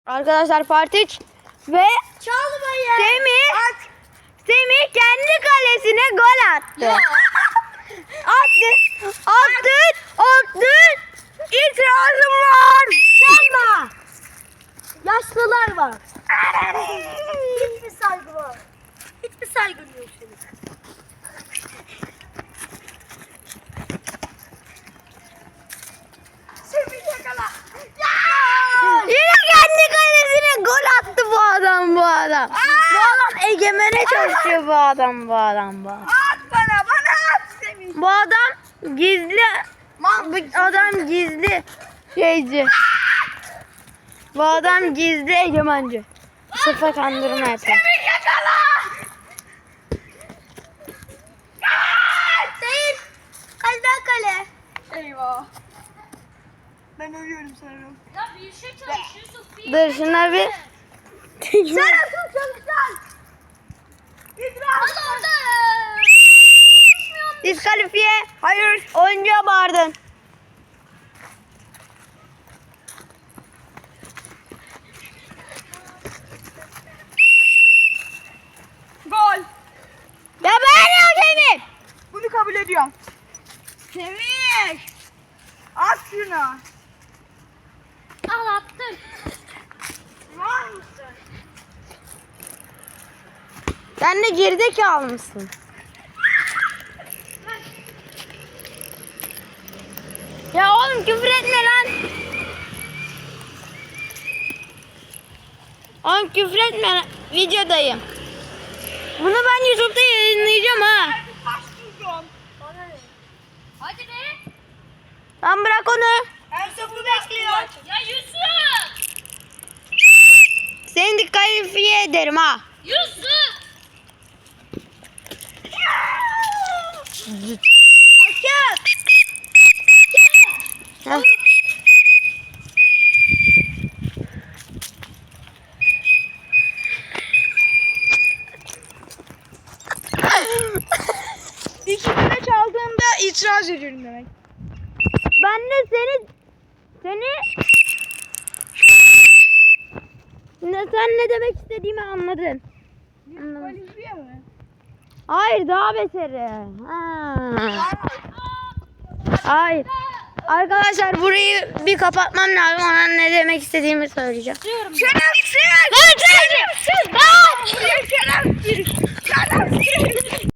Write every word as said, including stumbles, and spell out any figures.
Arkadaşlar Part üç ve Çalmayın. Semih At. Semih kendi kalesine gol attı. Ya. attı. Attı. Attı. İtirazım var. Çalma. Yaşlılar var. Hiçbir saygı var. Hiçbir saygın yok senin. Semih yakala. Ya. Yine kendi kalesine gol attı bu adam bu adam. Bu adam egemene çalışıyor bu adam bu adam bu adam. At bana bana at Semih. Bu adam gizli. Bu adam gizli şeyci. Bu adam gizli egemenci. Sıfa kandırma yapıyor. Semih yakala. Değil. Kaleden kale. Eyvah. Ben ölüyorum sanırım. Ya bir şey çalışıyorsun. Bir Dur şunlar bir. Sen asıl çalışacaksın. İdrar. Hadi orada. Diskalifiye. Hayır. Oyuncuya bağırdın. Gol. Ya bağırıyor Semih. Bunu kabul ediyorum. Semih. At şunu. Al attım. Var mısın? Sen de gerizekalı mısın? Ya oğlum küfür etme lan. Oğlum küfür etme lan. Videodayım. Bunu ben YouTube'da yayınlayacağım ha. Başlayacağım. Hadi be. Lan bırak onu. En sofu bekliyor. Ya Yusuf. Seni diskalifiye ederim ha. Yusuf. Hakem. Heh. İki kere çaldığımda itiraz ediyorum demek. Ben de seni seni ne sen ne demek istediğimi anladın. Diskalifiye mi? Hayır daha beteri. Ha. Hayır. Arkadaşlar burayı bir kapatmam lazım. Ona ne demek istediğimi söyleyeceğim. Şerefsiz! Lan şerefsiz! Lan! Şerefsiz! Şerefsiz!